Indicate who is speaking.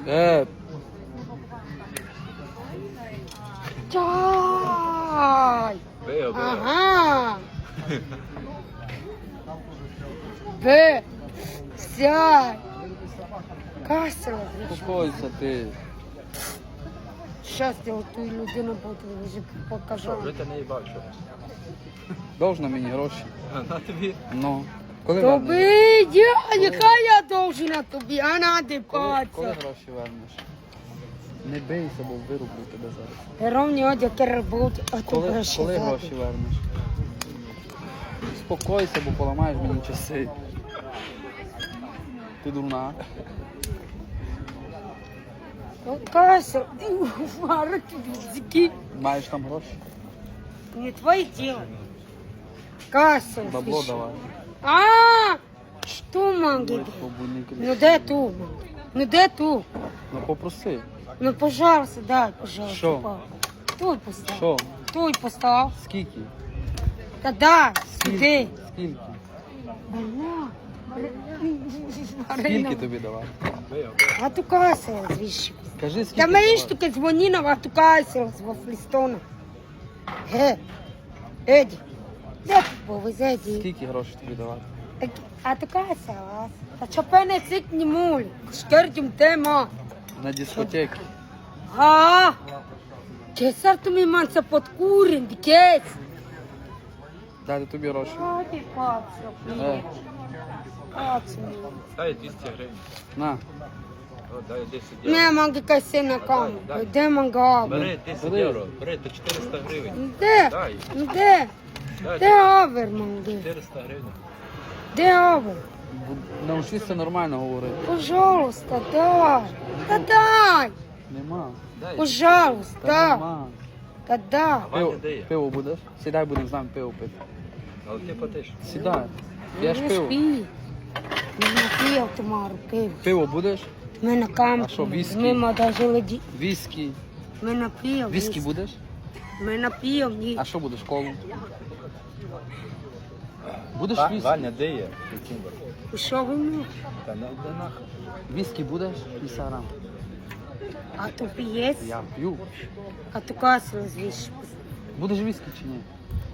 Speaker 1: Чай!
Speaker 2: Пиво, пиво.
Speaker 1: Ага! Б! Сядь! Касила!
Speaker 3: Успокойся ти.
Speaker 1: Щас я оту людину вже покажу.
Speaker 2: Вже ти не їбав чого.
Speaker 3: Должна мені гроші.
Speaker 2: На тобі.
Speaker 3: Ну. Коли вернеш?
Speaker 1: Тобі, яка я довжина тобі, а нади
Speaker 3: Коли
Speaker 1: паца.
Speaker 3: гроші вернеш? Не бийся, бо вирублю тебе зараз.
Speaker 1: Ровні одяг роботи, а то
Speaker 3: Коли
Speaker 1: гроші
Speaker 3: гроші вернеш? Успокойся, бо поламаєш мені часи. Ти дурна.
Speaker 1: Кася, вара тобі,
Speaker 3: Маєш там гроші?
Speaker 1: не твоє діло. Кася,
Speaker 3: Бабло давай.
Speaker 1: А, що манги? Ну де ту? Ну де ту?
Speaker 3: Ну попроси.
Speaker 1: Ну, пожалуйста, дай, пожалуйста.
Speaker 3: Що?
Speaker 1: папа. Той постав.
Speaker 3: Що?
Speaker 1: Той постав.
Speaker 3: Скільки?
Speaker 1: Та дай, іди.
Speaker 3: Скільки?
Speaker 1: Больна.
Speaker 3: Скільки тобі давай?
Speaker 2: Пиво,
Speaker 1: А ту Кася, звіщу.
Speaker 3: Кажи, скільки
Speaker 1: Та мені
Speaker 3: давай.
Speaker 1: штуки дзвонила, а ту Кася з Флістона. Еді. Де ти був, Еді?
Speaker 3: Скільки грошей тобі давати?
Speaker 1: А ту Кася, а що пене цик не муль? Шкердім тема.
Speaker 3: На дискотеки.
Speaker 1: А, кесар tu mi manța pot curând, ches.
Speaker 3: Дати тобі гроші.
Speaker 1: Haide, pață, pață.
Speaker 2: Дай 200 гривень.
Speaker 3: На.
Speaker 2: О, дай 10
Speaker 1: Не
Speaker 2: євро.
Speaker 1: мanga ca să ne cam. Де манга?
Speaker 2: Бери 10
Speaker 3: Бери.
Speaker 2: євро. Бери, то 400 гривень.
Speaker 1: Де?
Speaker 2: Дай.
Speaker 1: Де?
Speaker 2: Дай
Speaker 1: Де авер, манги?
Speaker 2: 400 гривень.
Speaker 1: Де авер?
Speaker 3: Навчися нормально говорити.
Speaker 1: Пожалуйста, дай. Та дай.
Speaker 3: Нема.
Speaker 2: Дай.
Speaker 3: Та
Speaker 1: Пожалуйста.
Speaker 3: нема.
Speaker 1: Та дай.
Speaker 2: Ваня дає.
Speaker 3: Пиво будеш? Сідай, будемо з нами пиво пити.
Speaker 2: Але ти платиш.
Speaker 3: Сідай. Я ж
Speaker 1: Не
Speaker 3: пиво.
Speaker 1: спи. Не напів тумару пиво.
Speaker 3: Пиво будеш?
Speaker 1: Ми на кампі.
Speaker 3: А що, віскі?
Speaker 1: Ми даже леді.
Speaker 3: Віскі.
Speaker 1: Ми напів.
Speaker 3: Віскі будеш?
Speaker 1: Ми напів, ні.
Speaker 3: А що будеш? Колу? Будеш віскі?
Speaker 2: Ваня дає. Кімбер.
Speaker 1: Що ви мені?
Speaker 2: Та не йде нахуй.
Speaker 3: Віскі будеш? 50 грам.
Speaker 1: А то п'єць?
Speaker 3: Я п'ю.
Speaker 1: А то касу звіш.
Speaker 3: Будеш віскі чи ні?